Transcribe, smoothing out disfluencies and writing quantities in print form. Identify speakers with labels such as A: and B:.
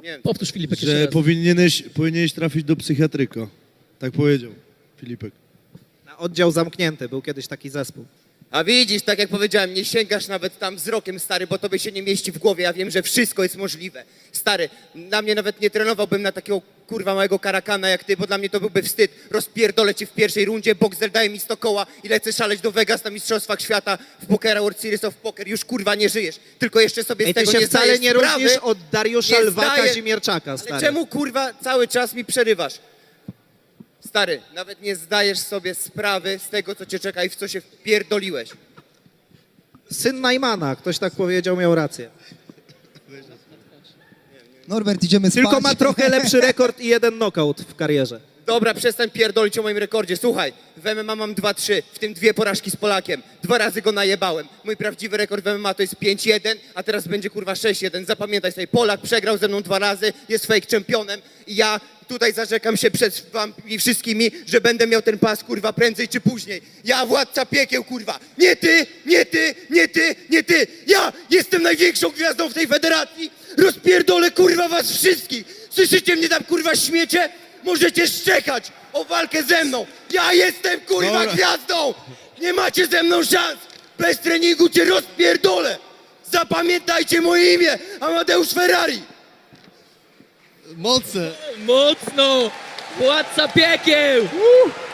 A: wiem.
B: Powtórz, Filipek, jeszcze
C: Że
B: raz.
C: powinieneś trafić do psychiatryka. Tak powiedział Filipek.
D: Na oddział zamknięty, był kiedyś taki zespół.
A: A widzisz, tak jak powiedziałem, nie sięgasz nawet tam wzrokiem, stary, bo tobie się nie mieści w głowie. Ja wiem, że wszystko jest możliwe. Stary, na mnie nawet nie trenowałbym na takiego kurwa małego karakana jak ty, bo dla mnie to byłby wstyd. Rozpierdolę cię w pierwszej rundzie, Boxer daje mi 100 koła i lecę szaleć do Vegas na Mistrzostwach Świata w pokera World Series of Poker. Już kurwa nie żyjesz, tylko jeszcze sobie z
D: Ej, ty
A: tego
D: się
A: nie
D: wcale
A: zdajesz
D: nie
A: sprawy.
D: różnisz od Dariusza
A: Nie
D: Lwa
A: zdaję-
D: Kazimierczaka,
A: Ale
D: stary.
A: czemu kurwa cały czas mi przerywasz? Stary, nawet nie zdajesz sobie sprawy z tego, co cię czeka i w co się wpierdoliłeś.
D: Syn Najmana, ktoś tak powiedział, miał rację.
E: Norbert, idziemy spać.
D: Tylko ma trochę lepszy rekord i 1 knockout w karierze.
A: Dobra, przestań pierdolić o moim rekordzie. Słuchaj, w MMA mam 2-3, w tym 2 porażki z Polakiem. 2 razy go najebałem. Mój prawdziwy rekord w MMA to jest 5-1, a teraz będzie kurwa 6-1. Zapamiętaj sobie, Polak przegrał ze mną 2 razy, jest fake czempionem i ja tutaj zarzekam się przed wami wszystkimi, że będę miał ten pas kurwa prędzej czy później. Ja władca piekieł kurwa. Nie ty, nie ty, nie ty, nie ty. Ja jestem największą gwiazdą w tej federacji. Rozpierdolę kurwa was wszystkich. Słyszycie mnie tam kurwa śmiecie? Możecie szczekać o walkę ze mną. Ja jestem kurwa
C: Dobra.
A: gwiazdą. Nie macie ze mną szans. Bez treningu cię rozpierdolę. Zapamiętajcie moje imię. Amadeusz Ferrari.
C: Mocne!
B: Mocno! Władca piekieł!